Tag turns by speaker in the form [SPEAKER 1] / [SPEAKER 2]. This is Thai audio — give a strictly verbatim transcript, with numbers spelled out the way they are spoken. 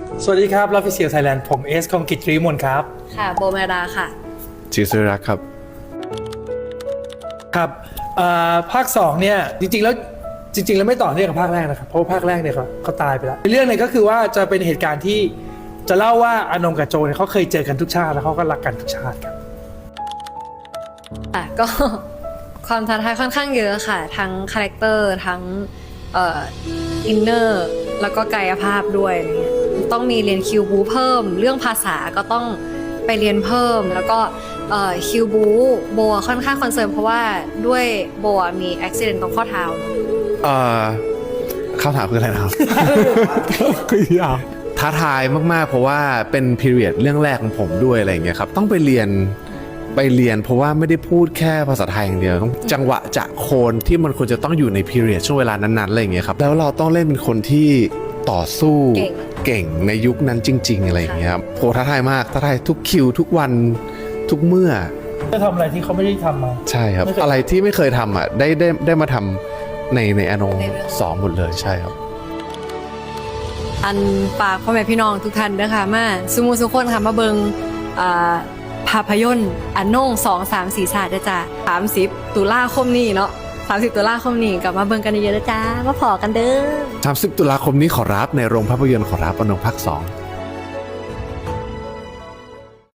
[SPEAKER 1] สวัสดีครับลอฟฟิเชียลไทยแลนด์ผมเอสคองกิจตรีมนครับ
[SPEAKER 2] ค่ะโบเมดาค่ะ
[SPEAKER 3] จีสุรักษ์ครับ
[SPEAKER 1] ครับภาคสองเนี่ยจริงๆแล้วจริงๆแล้วไม่ต่อเนื่องกับภาคแรกนะครับเพราะว่าภาคแรกเนี่ยเขาเขาตายไปแล้วเรื่องเนี่ยก็คือว่าจะเป็นเหตุการณ์ที่จะเล่าว่าอานงกับโจเนี่ยเขาเคยเจอกันทุกชาติแล้วเขาก็รักกันทุกชาติครับ
[SPEAKER 2] อ่ะก็ ความท้าทายค่อนข้างเยอะค่ะทั้งคาแรคเตอร์ทั้งเอ่ออินเนอร์แล้วก็กายภาพด้วยอะไรเงี้ยต้องมีเรียนคิวบูเพิ่มเรื่องภาษาก็ต้องไปเรียนเพิ่มแล้วก็เอ่อคิวบูโบค่อนข้างคอนเซิร์นเพราะว่าด้วยโบมีอุบิเหตุตรงข้อเท้า
[SPEAKER 3] เอ่อคำถามคืออะไรนะครับ
[SPEAKER 1] คือยาว
[SPEAKER 3] ท้าทายมากๆเพราะว่าเป็นพีเรียดเรื่องแรกของผมด้วยอะไรอย่างเงี้ยครับต้องไปเรียนไปเรียนเพราะว่าไม่ได้พูดแค่ภาษาไทยอย่างเดียวต้องจังหวะจะโคนที่มันควรจะต้องอยู่ในพีเรียดช่วงเวลานั้นๆอะไรอย่างเงี้ยครับแล้วเราต้องเล่นเป็นคนที่ต่อสู้เก่งในยุคนั้นจริงๆอะไรอย่างเงี้ยครับโหท้าทายมากท้าทายทุกคิวทุกวันทุกเมื่อ
[SPEAKER 1] จะทำอะไรที่เขาไม่ได้ทำมา
[SPEAKER 3] ใช่ครับอะไรที่ไม่เคยทำอ่ะได้ได้ได้มาทำในในอนงสองหมดเลยใช่ครับ
[SPEAKER 2] อันฝากพ่อแม่พี่น้องทุกท่านนะคะมาสุมูสุคนค่ะมาเบิงอ่าภาพยนตร์อันนงสองสามสี่ศาสตร์จ้าสามสิบตุลาคมนี้เนาะสามสิบตุลาคมนี้กลับมาเบิงกันเยอะๆจ้ามาพอกันเด้อ
[SPEAKER 3] สามสิบตุลาคมนี้ขอรับในโรงภาพยนตร์ขอรับอนงภาคสอง